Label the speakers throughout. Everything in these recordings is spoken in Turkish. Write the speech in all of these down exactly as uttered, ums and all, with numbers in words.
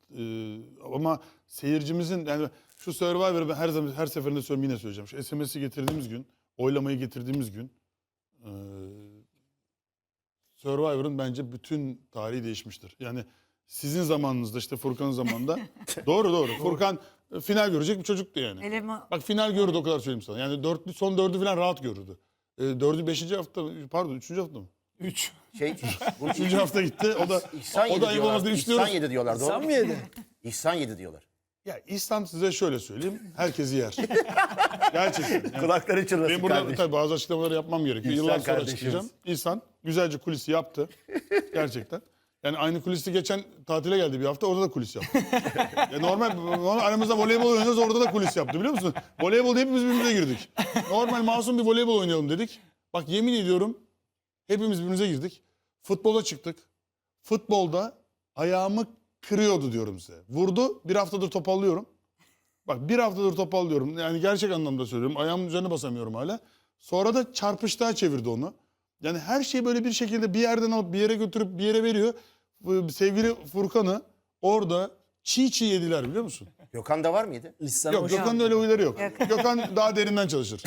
Speaker 1: Ee, ama seyircimizin yani şu Survivor'ı ben her zaman her seferinde söylüyorum, yine söyleyeceğim. Şu S M S'i getirdiğimiz gün, oylamayı getirdiğimiz gün e, Survivor'ın bence bütün tarihi değişmiştir. Yani sizin zamanınızda, işte Furkan'ın zamanında doğru doğru. Furkan e, final görecek bir çocuktu yani.
Speaker 2: Elema.
Speaker 1: Bak final görürdü, o kadar söyleyeyim sana. Yani dörtlü, son dördü falan rahat görürdü. E, dördü beşinci hafta, pardon üçüncü hafta mı?
Speaker 3: üç.
Speaker 4: Şey, bu
Speaker 1: Üçüncü hafta gitti. O da
Speaker 4: İhsan
Speaker 1: o
Speaker 4: yedi
Speaker 1: da ayıp olmaz
Speaker 4: diyorlar.
Speaker 1: diye
Speaker 4: İhsan
Speaker 1: üçlüyoruz.
Speaker 4: yedi diyorlar. Doğru
Speaker 3: Sen
Speaker 4: mu?
Speaker 3: mi yedin?
Speaker 4: İhsan yedi diyorlar.
Speaker 1: Ya İhsan, size şöyle söyleyeyim, herkesi yer. Gerçekten. Yani
Speaker 4: Kulakları
Speaker 1: benim
Speaker 4: çınlasın
Speaker 1: burada
Speaker 4: kardeşim.
Speaker 1: tabii bazı açıklamaları yapmam gerekiyor.
Speaker 4: İhsan
Speaker 1: Yıllar sonra
Speaker 4: kardeşimiz.
Speaker 1: açıklayacağım. İhsan güzelce kulisi yaptı. Gerçekten. Yani aynı kulisi geçen tatile geldi bir hafta, orada da kulis yaptı. Ya normal, normal aramızda voleybol oynuyoruz, orada da kulis yaptı, biliyor musun? Voleybolda hepimiz birbirimize girdik. Normal masum bir voleybol oynayalım dedik. Bak yemin ediyorum hepimiz birbirimize girdik. Futbola çıktık. Futbolda ayağımı kırıyordu diyorum size. Vurdu, bir haftadır topallıyorum. Bak bir haftadır topallıyorum. Yani gerçek anlamda söylüyorum. Ayağımın üzerine basamıyorum hala. Sonra da çarpıştığa çevirdi onu. Yani her şeyi böyle bir şekilde bir yerden alıp bir yere götürüp bir yere veriyor. Bu sevgili Furkan'ı orada çiğ çiğ yediler, biliyor musun?
Speaker 4: Gökhan'da var mıydı?
Speaker 3: İhsan
Speaker 1: Yok,
Speaker 3: hoş-
Speaker 1: Gökhan'ın öyle huyları yok. Gökhan daha derinden çalışır.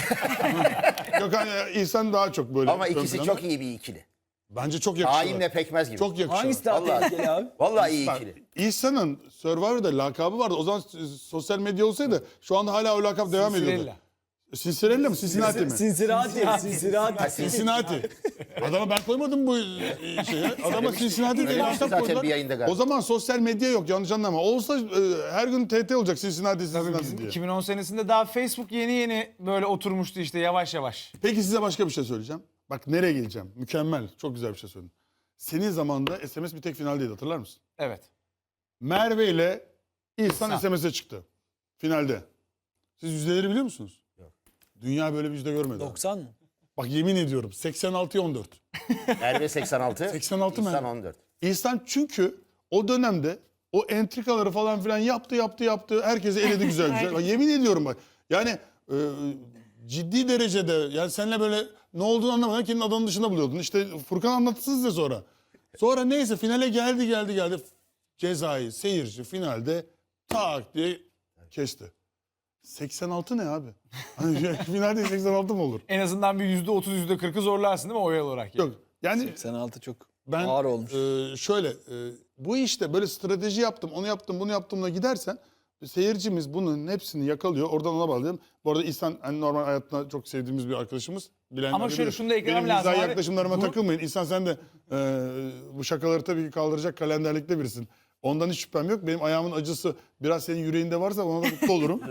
Speaker 1: Gökhan, İhsan daha çok böyle.
Speaker 4: Ama
Speaker 1: ön
Speaker 4: ikisi
Speaker 1: planda.
Speaker 4: çok iyi bir ikili.
Speaker 1: Bence çok yakışıyorlar.
Speaker 4: Hainle pekmez gibi.
Speaker 1: Çok yakışıyorlar.
Speaker 3: Hangisi daha
Speaker 4: Vallahi.
Speaker 3: tehlikeli abi?
Speaker 4: Vallahi iyi
Speaker 1: Bak,
Speaker 4: ikili.
Speaker 1: İhsan'ın Survivor'da lakabı vardı. O zaman sosyal medya olsaydı şu anda hala o lakap devam ediyordu.
Speaker 3: Cinderella.
Speaker 1: Cincinnati mi? Cincinnati mi?
Speaker 3: Cincinnati. Cincinnati.
Speaker 1: Cincinnati. Adama ben koymadım bu şeye. Adama Cincinnati diye
Speaker 4: Söylemişti
Speaker 1: lakap
Speaker 4: zaten
Speaker 1: koydular.
Speaker 4: bir yayında galiba.
Speaker 1: O zaman sosyal medya yok, yanlış anlama. Olsa e, her gün T T olacak Cincinnati,
Speaker 5: Tabii
Speaker 1: Cincinnati
Speaker 5: bizim
Speaker 1: diye.
Speaker 5: iki bin on senesinde daha Facebook yeni yeni böyle oturmuştu işte yavaş yavaş.
Speaker 1: Peki size başka bir şey söyleyeceğim. Bak nereye geleceğim. Mükemmel. Çok güzel bir şey söyledin. Senin zamanında S M S bir tek finaldeydi, hatırlar mısın?
Speaker 5: Evet.
Speaker 1: Merve ile İhsan
Speaker 5: İhsan.
Speaker 1: S M S'e çıktı. Finalde. Siz yüzdeleri biliyor musunuz?
Speaker 4: Yok.
Speaker 1: Dünya böyle bir yüzde görmedi.
Speaker 3: doksan mı?
Speaker 1: Bak yemin ediyorum seksen altıya on dört.
Speaker 4: Merve seksen altı.
Speaker 1: seksen altı mı?
Speaker 4: İhsan on dört.
Speaker 1: İhsan çünkü o dönemde o entrikaları falan filan yaptı yaptı yaptı. Herkesi eledi güzel güzel. Bak, yemin ediyorum bak. Yani e, ciddi derecede yani seninle böyle ne olduğunu anlamadan kendini adanın dışında buluyordun. İşte Furkan anlatsın size sonra. Sonra neyse finale geldi geldi geldi. Cezayı seyirci finalde tak diye kesti. seksen altı ne abi? Hani finalde seksen altı mı olur?
Speaker 5: En azından bir yüzde otuz yüzde kırkı zorlarsın değil mi oy olarak?
Speaker 1: Yok. Yani
Speaker 3: seksen altı çok
Speaker 1: ben
Speaker 3: ağır olmuş.
Speaker 1: e, şöyle e, bu işte böyle strateji yaptım, onu yaptım, bunu yaptımla gidersen seyircimiz bunun hepsini yakalıyor. Oradan ona bağlayalım. Bu arada İhsan hani normal hayatında çok sevdiğimiz bir arkadaşımız. Bilenler
Speaker 5: Ama şöyle
Speaker 1: bilir.
Speaker 5: şunu da eklemem
Speaker 1: Benim
Speaker 5: lazım
Speaker 1: mizah
Speaker 5: abi.
Speaker 1: yaklaşımlarıma
Speaker 5: Bu-
Speaker 1: takılmayın. İhsan sen de e, bu şakaları tabii ki kaldıracak kalenderlikte birisin. Ondan hiç şüphem yok. Benim ayağımın acısı biraz senin yüreğinde varsa ona da mutlu olurum.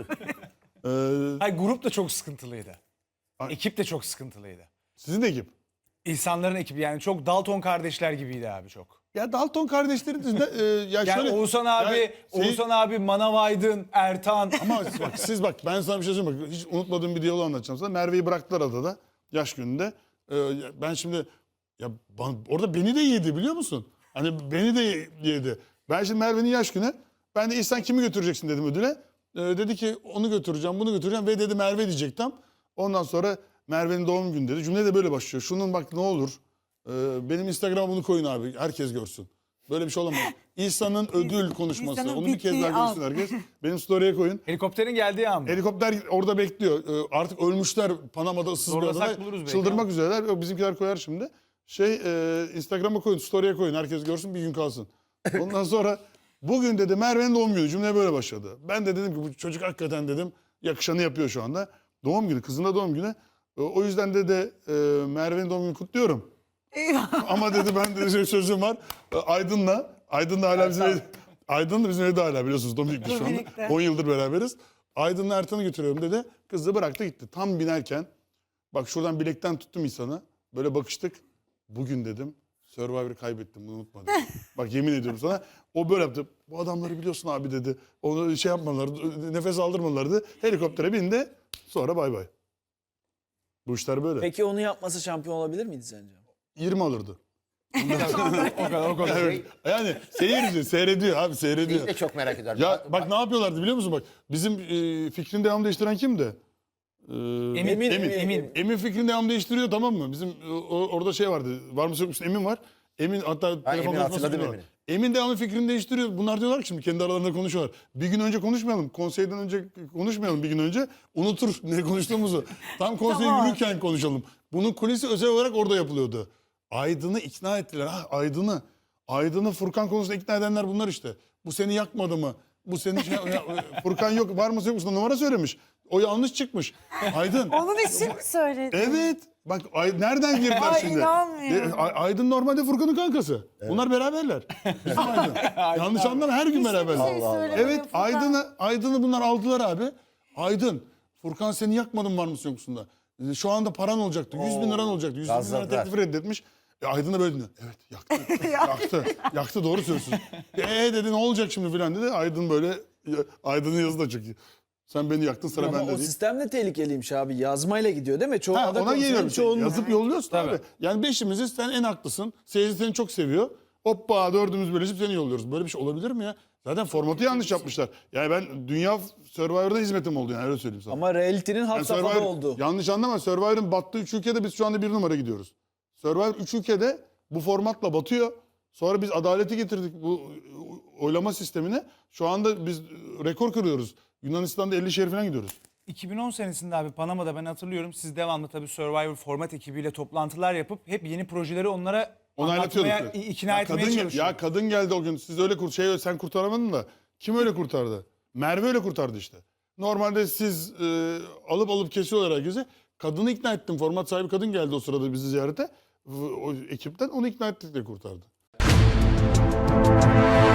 Speaker 1: E,
Speaker 5: Hayır, grup da çok sıkıntılıydı.
Speaker 1: Ay.
Speaker 5: Ekip de çok sıkıntılıydı.
Speaker 1: sizin de ekip.
Speaker 5: İnsanların ekibi yani çok Dalton kardeşler gibiydi abi çok.
Speaker 1: Ya Dalton kardeşlerin dışında e, ya
Speaker 5: Yani
Speaker 1: şöyle.
Speaker 5: Oğuzhan abi,
Speaker 1: Ya şey-
Speaker 5: Oğuzhan abi, Manav Aydın, Ertan.
Speaker 1: Ama bak siz bak ben sana bir şey söyleyeyim. Bak, hiç unutmadığım bir diyaloğu anlatacağım sana. Merve'yi bıraktılar adada yaş gününde. Ee, ben şimdi ya bana- orada beni de yedi, biliyor musun? Hani beni de yedi. Ben şimdi Merve'nin yaş günü. Ben de İhsan kimi götüreceksin dedim ödüle. Ee, dedi ki onu götüreceğim, bunu götüreceğim ve dedi Merve diyecektim. Ondan sonra Merve'nin doğum günü dedi. Cümle de böyle başlıyor. Şunun bak ne olur. e, benim Instagram'a bunu koyun abi. Herkes görsün. Böyle bir şey olamaz. İhsan'ın ödül konuşması.
Speaker 2: İhsan'ın
Speaker 1: Onu bir kez
Speaker 2: bittiği
Speaker 1: daha
Speaker 2: an.
Speaker 1: görsün herkes. Benim story'e koyun.
Speaker 5: Helikopterin geldiği an mı?
Speaker 1: Helikopter orada bekliyor. Ee, Artık ölmüşler Panama'da, ıssız bir
Speaker 5: Zorlasak
Speaker 1: adada.
Speaker 5: buluruz belki
Speaker 1: Çıldırmak
Speaker 5: ama.
Speaker 1: üzereler. Yok, bizimkiler koyar şimdi. Şey e, Instagram'a koyun, story'e koyun. Herkes görsün, bir gün kalsın. Ondan sonra bugün dedi Merve'nin doğum günü. Cümle böyle başladı. Ben de dedim ki bu çocuk hakikaten dedim yakışanı yapıyor şu anda. Doğum günü, kızın da doğum günü. E, o yüzden de de e, Merve'nin doğum günü kutluyorum.
Speaker 2: Eyvah.
Speaker 1: Ama dedi ben de şey, sözüm var. E, Aydın'la, Aydın da hala bizim evde, Aydın da bizim evde hala biliyorsunuz. Dominik'te şu anda.
Speaker 2: Dominik'te.
Speaker 1: on yıldır beraberiz. Aydın'la Ertan'ı götürüyorum dedi. Kızı bıraktı gitti. Tam binerken bak şuradan bilekten tuttum insanı. Böyle bakıştık. Bugün dedim Survivor'ı kaybettim, bunu unutma dedim. Bak yemin ediyorum sana. O böyle yaptı. Bu adamları biliyorsun abi dedi. Onu şey yapmadılar, nefes aldırmadılardı. Helikoptere bindi. Sonra bay bay. Bu işler böyle.
Speaker 3: Peki onu yapması şampiyon olabilir miydi sence?
Speaker 1: yirmi alırdı.
Speaker 5: O kadar o kadar.
Speaker 1: Evet. Yani seyirci seyrediyor abi, seyrediyor.
Speaker 4: Biz de çok merak ediyorum.
Speaker 1: Ya bak ne yapıyorlardı biliyor musun bak. Bizim e, fikrini devam değiştiren kimdi? Ee,
Speaker 5: Emin,
Speaker 3: Emin,
Speaker 1: Emin.
Speaker 3: Emin.
Speaker 1: Emin fikrini devam değiştiriyor, tamam mı? Bizim e, o- orada şey vardı. Var mısın yok musun Emin var. Emin hatta telefon
Speaker 4: Emin,
Speaker 1: konuşması
Speaker 4: hatırladım
Speaker 1: bile var.
Speaker 4: Emin'i.
Speaker 1: Emin devamlı fikrini değiştiriyor. Bunlar diyorlar ki şimdi kendi aralarında konuşuyorlar. Bir gün önce konuşmayalım. Konseyden önce konuşmayalım bir gün önce. Unutur ne konuştuğumuzu. Tam konseye
Speaker 2: Tamam.
Speaker 1: yürürken konuşalım. Bunun kulisi özel olarak orada yapılıyordu. Aydın'ı ikna ettiler. Ha, Aydın'ı. Aydın'ı Furkan konusunda ikna edenler bunlar işte. Bu seni yakmadı mı? Bu seni şey- ya, Furkan yok var mı yok musun? Numara söylemiş. O yanlış çıkmış. Aydın.
Speaker 2: Onun için mi söyledin?
Speaker 1: Evet. Bak Ay- nereden girdiler
Speaker 2: Ay,
Speaker 1: şimdi?
Speaker 2: inanmıyorum.
Speaker 1: E, Ay- Aydın normalde Furkan'ın kankası. Bunlar beraberler. Bizim Aydın. Yanlış anlama her gün beraberler.
Speaker 2: Hiçbir şey söylemedi
Speaker 1: Evet
Speaker 2: Furkan.
Speaker 1: Aydın'ı Aydın'ı bunlar aldılar abi. Aydın Furkan seni yakmadın var mısın yoksunda? E, Şu anda paran olacaktı. yüz bin liran olacaktı. yüz bin lira
Speaker 4: gazladılar.
Speaker 1: teklifi reddetmiş. E, Aydın da böyle dinliyor. Evet yaktı. yaktı. Yaktı doğru söylüyorsun. E dedi ne olacak şimdi filan dedi. Aydın böyle Aydın'ın yazı da çok iyi. Sen beni yaktın sıra
Speaker 3: Ama
Speaker 1: bende
Speaker 3: o
Speaker 1: değil.
Speaker 3: sistem de tehlikeliymiş abi. Yazmayla gidiyor değil mi? Çoğu
Speaker 1: Ha,
Speaker 3: ada
Speaker 1: ona
Speaker 3: konusunda
Speaker 1: geliyorum.
Speaker 3: çoğunun-
Speaker 1: Yazıp yolluyorsun
Speaker 5: Tabii.
Speaker 1: abi. Yani beşimizi sen en haklısın. Seyirci seni çok seviyor. Hoppa dördümüz birleşip seni yolluyoruz. Böyle bir şey olabilir mi ya? Zaten formatı yanlış yapmışlar. Yani ben Dünya Survivor'da hizmetim oldu yani öyle söyleyeyim sana.
Speaker 3: Ama reality'nin
Speaker 1: Yani
Speaker 3: hat safhada
Speaker 1: Survivor-
Speaker 3: oldu.
Speaker 1: Yanlış anlama. Survivor'ın battığı üç ülkede biz şu anda bir numara gidiyoruz. Survivor üç ülkede bu formatla batıyor. Sonra biz adaleti getirdik bu oylama sistemine. Şu anda biz rekor kırıyoruz. Yunanistan'da elli şehir falan gidiyoruz.
Speaker 5: iki bin on senesinde abi Panama'da ben hatırlıyorum. Siz devamlı tabii Survivor format ekibiyle toplantılar yapıp hep yeni projeleri onlara
Speaker 1: Onaylatıyorduk.
Speaker 5: anlatmaya,
Speaker 1: ya.
Speaker 5: ikna
Speaker 1: Ya
Speaker 5: etmeye
Speaker 1: kadın,
Speaker 5: çalışıyorduk.
Speaker 1: Ya kadın geldi o gün. Siz öyle kurt şey sen kurtaramadın da kim öyle kurtardı? Merve öyle kurtardı işte. Normalde siz e, alıp alıp kesiyorlar herkese. Kadını ikna ettim. Format sahibi kadın geldi o sırada bizi ziyarete. O ekipten onu ikna ettik de kurtardı.